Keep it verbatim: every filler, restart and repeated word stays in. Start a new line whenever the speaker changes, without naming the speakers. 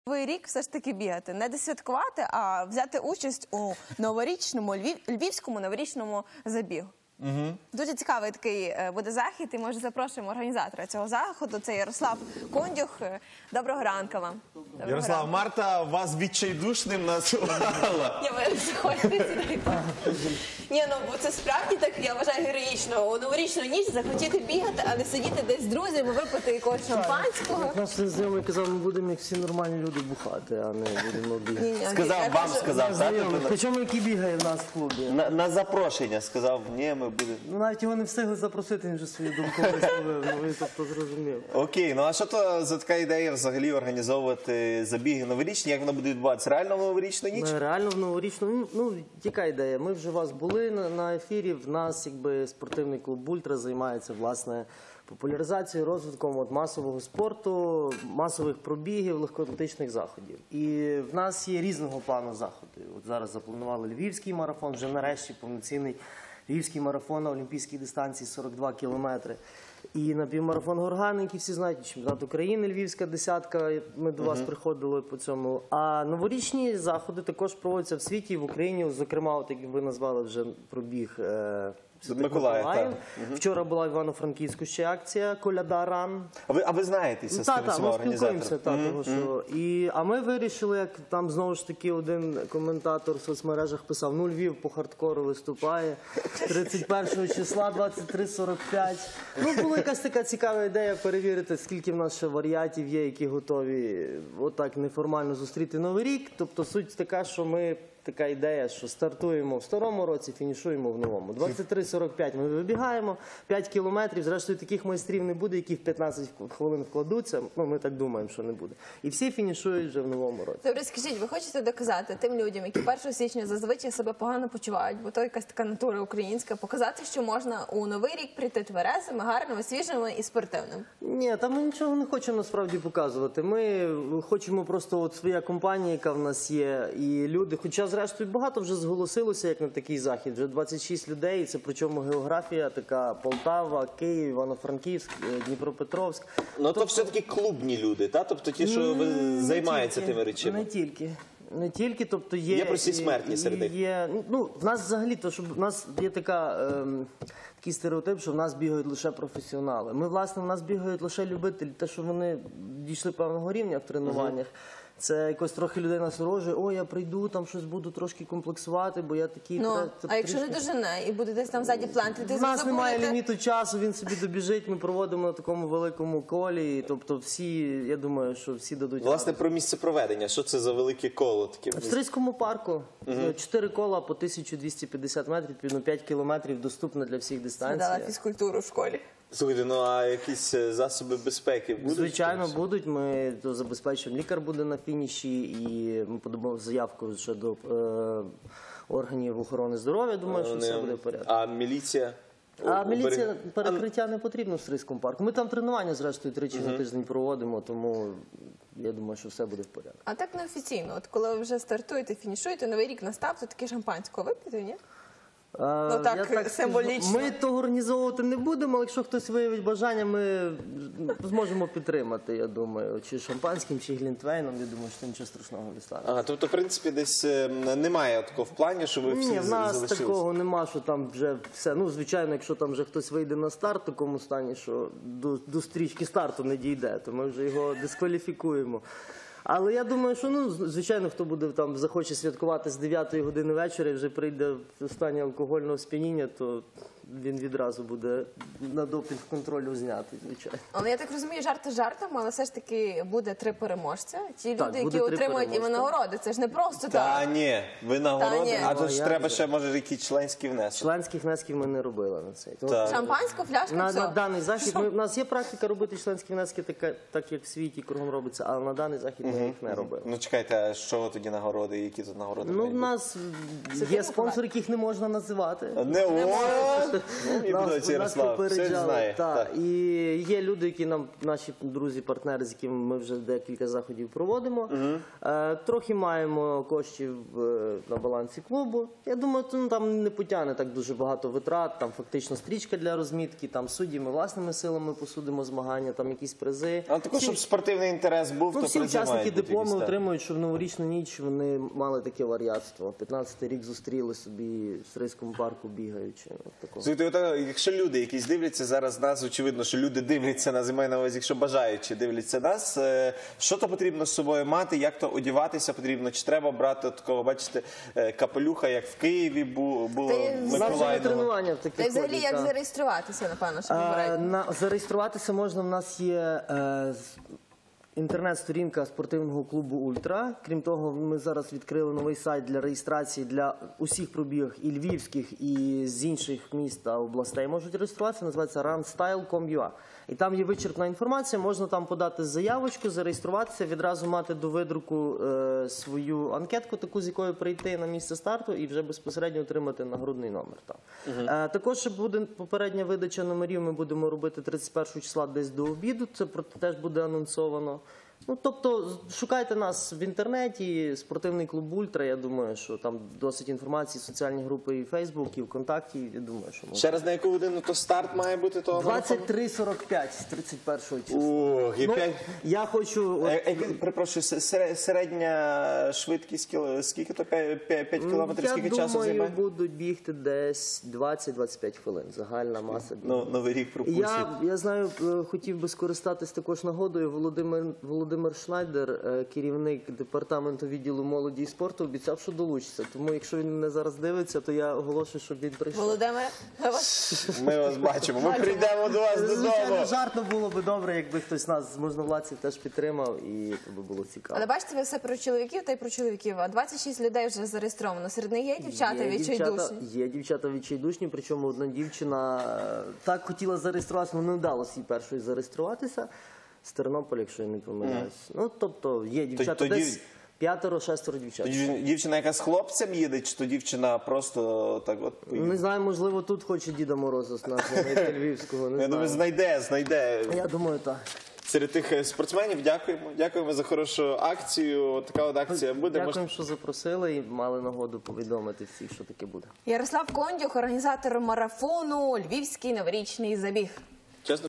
Новий рік все ж таки бігати, не досвяткувати, а взяти участь у новорічному, львівському новорічному забігу.
Угу.
Дуже цікавий такий буде захід, і, може, запрошуємо організатора цього заходу, це Ярослав Кондюх. Доброго ранку вам. Доброго
Ярослав,
ранку.
Марта вас відчайдушним назвала.
Я ви заходьте сюди. Ні, ну, бо це справді так, я вважаю, героїчно. У новорічну ніч захотіти бігати, а не сидіти десь з друзями, випити якогось шампанського.
Наш знайомий казав, ми будемо, як всі нормальні люди, бухати, а не будемо бігати.
Ні, ні,
Сказав,
я
вам
кажу-
сказав, так?
Знайомий, причому який бігає в нас в клубі.
На, на запрошення сказав, ні, ми будемо.
Ну, навіть його не встигли запросити, він вже свою думку висловив, ну він тобто зрозумів.
Окей, ну а що то за така ідея взагалі організовувати забіги новорічні? Як воно буде відбуватися? Реально в новорічну ніч?
Ми реально в новорічну, ну, ну, яка ідея? Ми вже у вас були на, на ефірі, в нас якби спортивний клуб «Ультра» займається, власне, популяризацією, розвитком от, масового спорту, масових пробігів, легкоатлетичних заходів. І в нас є різного плану заходи. От зараз запланували львівський марафон, вже нарешті повноцінний львівський марафон на олімпійській дистанції сорок два кілометри. І на півмарафон Горган, який всі знають, чемпіонат України, львівська десятка, ми до вас приходили по цьому. А новорічні заходи також проводяться в світі і в Україні, зокрема, от, як ви назвали вже пробіг е,
Миколаїв, так.
Вчора була в Івано-Франківську ще акція «Коляда Ран».
А ви, а ви знаєтеся з
Так,
тими
так,
всіма
ми спілкуємося.
організаторами?
Та, того, що... І, а ми вирішили, як там знову ж таки один коментатор в соцмережах писав, ну Львів по хардкору виступає тридцять першого числа, двадцять три сорок п'ять. Ну, була якась така цікава ідея перевірити, скільки в нас ще варіантів є, які готові отак неформально зустріти Новий рік. Тобто суть така, що ми... Така ідея, що стартуємо в старому році, фінішуємо в новому. двадцять три сорок п'ять ми вибігаємо, п'ять кілометрів, зрештою таких майстрів не буде, які в п'ятнадцять хвилин вкладуться, ну ми так думаємо, що не буде. І всі фінішують вже в новому році.
Добре, скажіть, ви хочете доказати тим людям, які першого січня зазвичай себе погано почувають, бо то якась така натура українська, показати, що можна у Новий рік прийти тверезими, гарними, свіжими і спортивним?
Ні, там ми нічого не хочемо насправді показувати. Ми хочемо просто, от своя компанія, яка в нас є, і люди, хоча зрештою багато вже зголосилося, як на такий захід, вже двадцять шість людей, це причому географія така: Полтава, Київ, Івано-Франківськ, Дніпропетровськ.
Ну то все-таки клубні люди, та? Тобто ті, що ви займаються тими речами.
Не тільки. Не тільки, тобто є...
Є прості смертні серед них?
Є, ну, в нас взагалі, то, що в нас є така, ем, такий стереотип, що в нас бігають лише професіонали. Ми, власне, в нас бігають лише любителі, те, що вони дійшли певного рівня в тренуваннях. Це якось трохи людей насторожує, о, я прийду, там щось буду трошки комплексувати, бо я такий...
Ну,
тре-
а якщо не дожене і буде десь там ззаді плантити,
У нас немає
забудете?
ліміту часу, він собі добіжить, ми проводимо на такому великому колі, тобто всі, я думаю, що всі дадуть
Власне,
раду.
про місце проведення. Що це за велике коло таке?
В Стрийському парку чотири кола по тисяча двісті п'ятдесят метрів, відповідно п'ять кілометрів, доступно для всіх
Згадала
дистанцій.
фізкультуру в школі.
Слухайте, ну а якісь засоби безпеки будуть?
Звичайно, будуть. Ми то забезпечуємо, лікар буде на фініші, і ми подамо заявку ще до е, органів охорони здоров'я. Думаю, що все буде в порядку.
А міліція?
А
У-
міліція
уберег-
перекриття не потрібно в Стрийському парку. Ми там тренування, зрештою, тричі на тиждень проводимо, тому я думаю, що все буде в порядку.
А так неофіційно, от коли ви вже стартуєте, фінішуєте, Новий рік настав, то таке шампанського вип'єте, ні?
Ну,
так, символічно.
Ми того організовувати не будемо, але якщо хтось виявить бажання, ми зможемо підтримати, я думаю, чи шампанським, чи глінтвейном, я думаю, що нічого страшного не стане.
Ага, тобто, в принципі, десь е, немає такого в плані, що ви всі
Ні, в нас
залишилися?
такого нема, що там вже все. Ну, звичайно, якщо там вже хтось вийде на старт в такому стані, що до, до стрічки старту не дійде, то ми вже його дискваліфікуємо. Але я думаю, що, ну, звичайно, хто буде там, захоче святкувати з дев'ятої години вечора і вже прийде в стані алкогольного сп'яніння, то він відразу буде на допінг контролю знятий, звичайно.
Але я так розумію, жарти жартом, але все ж таки буде три переможця. Ті
Так,
люди,
буде
які
три
отримують і
переможця.
винагороди. Це ж не просто
Та
так.
ні, ви
Та
нагороди,
ні.
а то
Ну,
ж
як
треба
же?
ще, може, якийсь членський внесок.
Членських внесків ми не робили на цей. Тому
Так.
Шампанську, фляжку,
На,
все.
на даний захід ми, в нас є практика робити членські внески, така, так як в світі кругом робиться, але на даний захід ми їх не робили.
Ну чекайте, а що тоді нагороди, які тут нагороди?
Ну,
мають
в
бути?
нас
Це
є
ти
спонсори, яких не можна називати.
Не, о, і будуть, Ярослав, все знає,
Та,
так.
і є люди, які нам, наші друзі-партнери, з якими ми вже декілька заходів проводимо. Е, трохи маємо коштів е, на балансі клубу. Я думаю, то, ну, там не потягне так дуже багато витрат, там фактично стрічка для розмітки, там судді ми власними силами посудимо змагання, там якісь призи.
А також, щоб спортивний інтерес був,
Ну,
то
всі
призи
учасники
мають бути
дипломи
якісь, так.
отримують, що в новорічну ніч вони мали таке варіатство. п'ятнадцятий рік зустріли собі в Стрийському парку бігаючи. От такого.
Слухайте, отак, якщо люди якісь дивляться зараз нас, очевидно, що люди дивляться нас, і маю на увазі, якщо бажаючи дивляться нас, е, що то потрібно з собою мати, як то одягатися потрібно, чи треба брати такого, бачите, е, капелюха, як в Києві бу- було
Та й
в
з-
У нас вже на
Миколаївному.
тренування в
Та й
таких
взагалі
ходять,
як
та.
зареєструватися, напевно, що
Е,
попередньо.
на, зареєструватися можна, в нас є е, з- інтернет-сторінка спортивного клубу «Ультра». Крім того, ми зараз відкрили новий сайт для реєстрації для усіх пробігів і львівських, і з інших міст та областей можуть реєструватися. Називається runstyle крапка ком крапка ю а. І там є вичерпна інформація, можна там подати заявочку, зареєструватися, відразу мати до видруку е, свою анкетку, таку, з якою прийти на місце старту і вже безпосередньо отримати нагрудний номер. Там. Е, також ще буде попередня видача номерів, ми будемо робити тридцять першого числа десь до обіду, це про- теж буде анонсовано. Ну, тобто, шукайте нас в інтернеті, спортивний клуб «Ультра», я думаю, що там досить інформації, соціальні групи і Фейсбук, і ВКонтакті, я думаю, що можна.
Ще раз, на яку годину то старт має бути того марафону?
двадцять три сорок п'ять, тридцять першого числа.
Ох, і
Ну,
п'ять...
я хочу... от,
Е, е, Перепрошую, се- середня швидкість, кіл- скільки то п'ять кілометрів,
я
скільки
думаю,
часу займає?
будуть бігти десь двадцять двадцять п'ять хвилин, загальна маса.
Ну, Новий рік пропустять.
Я, я знаю, е, хотів би скористатись також нагодою. Володимир, Володимир Шнайдер, е, керівник департаменту відділу молоді і спорту, обіцяв, що долучиться. Тому, якщо він мене зараз дивиться, то я оголошую, щоб він прийшов.
Володимире, ми вас
Ми вас бачимо, ми прийдемо до вас
Звичайно,
додому.
жартно було би добре, якби хтось нас з можновладців теж підтримав, і це би було цікаво.
Але бачите, ви все про чоловіків та й про чоловіків. А двадцять шість людей вже зареєстровано. Серед них є дівчата
Є
відчайдушні.
дівчата, є дівчата відчайдушні, причому одна дівчина е, так хотіла зареєструватися, але не вдалося їй першою зареєструватися. З Тернополя, якщо я не помиляюсь. Ну, тобто, є дівчата
тоді-
десь п'ятеро-шестеро дівчат.
То дів- Дівчина, яка з хлопцем їде, чи то дівчина просто так от поїде?
Не знаю, можливо, тут хоче Діда Мороза з нашого знайти Львівського, не
Я думаю,
знаю.
знайде, знайде.
Я думаю, так.
Серед тих е, спортсменів дякуємо. Дякуємо за хорошу акцію. Така от акція буде.
Дякуємо, що запросили і мали нагоду повідомити всіх, що таке буде.
Ярослав Кондюх, організатор марафону «Львівський новорічний забіг».
Чесно